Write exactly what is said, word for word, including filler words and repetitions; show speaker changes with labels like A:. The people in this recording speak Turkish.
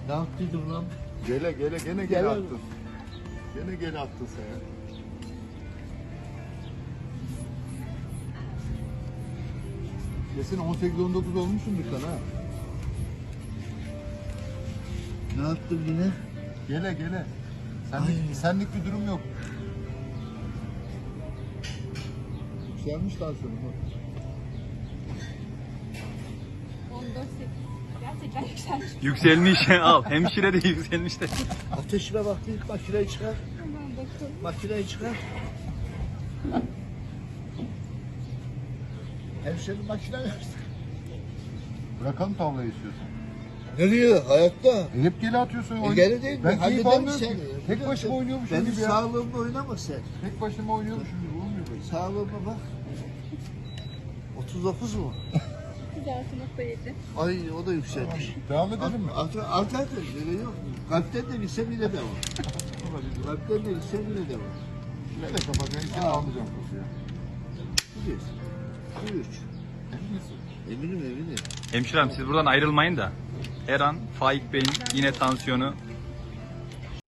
A: Ne yaptıydım lan?
B: Gele gele gene
A: Gele.
B: gele attın. Gene gele attın sen ya. Kesin on sekiz on dokuz olmuşsundur sen ha.
A: Ne yaptım yine?
B: Gele gele. Senlik,
A: Ay.
B: senlik bir durum yok. Yükselmiş tansiyonum.
C: on dört sekiz. Gerçekten yükselmiş.
D: Yükselmiş al. Hemşire de yükselmiş de.
A: Ateşime bak, ilk makineyi çıkar.
C: Hemen bakalım.
A: Makineyi çıkar. Hemşerim makine versin.
B: Bırakalım tavlayı istiyorsan.
A: Nereye? Hayatta.
B: E hep gele atıyorsun.
A: E
B: oyun-
A: geri değil mi?
B: Ben keyif
A: Halleder
B: almıyorum
A: misin?
B: ki. Tek başıma oynuyormuşum
A: Benim
B: gibi ya.
A: sağlığımla oynama sen.
B: Tek başıma oynuyormuşum gibi olmuyor böyle.
A: Sağlığıma bak. otuz dokuz mu?
C: otuz altı nokta yedi.
A: Ay o da yükselmiş.
B: Devam edelim mi?
A: Altı altı altı öyle yok. Kalpten de gitse bile de var. Kalpten de gitse bile de var.
B: Ne de kapatacağım. İçine almayacağım kutuyu.
A: Biliyorsun. Buyur. Eminim eminim.
D: Hemşirem siz buradan ayrılmayın da. Her an Faik Bey'in yine tansiyonu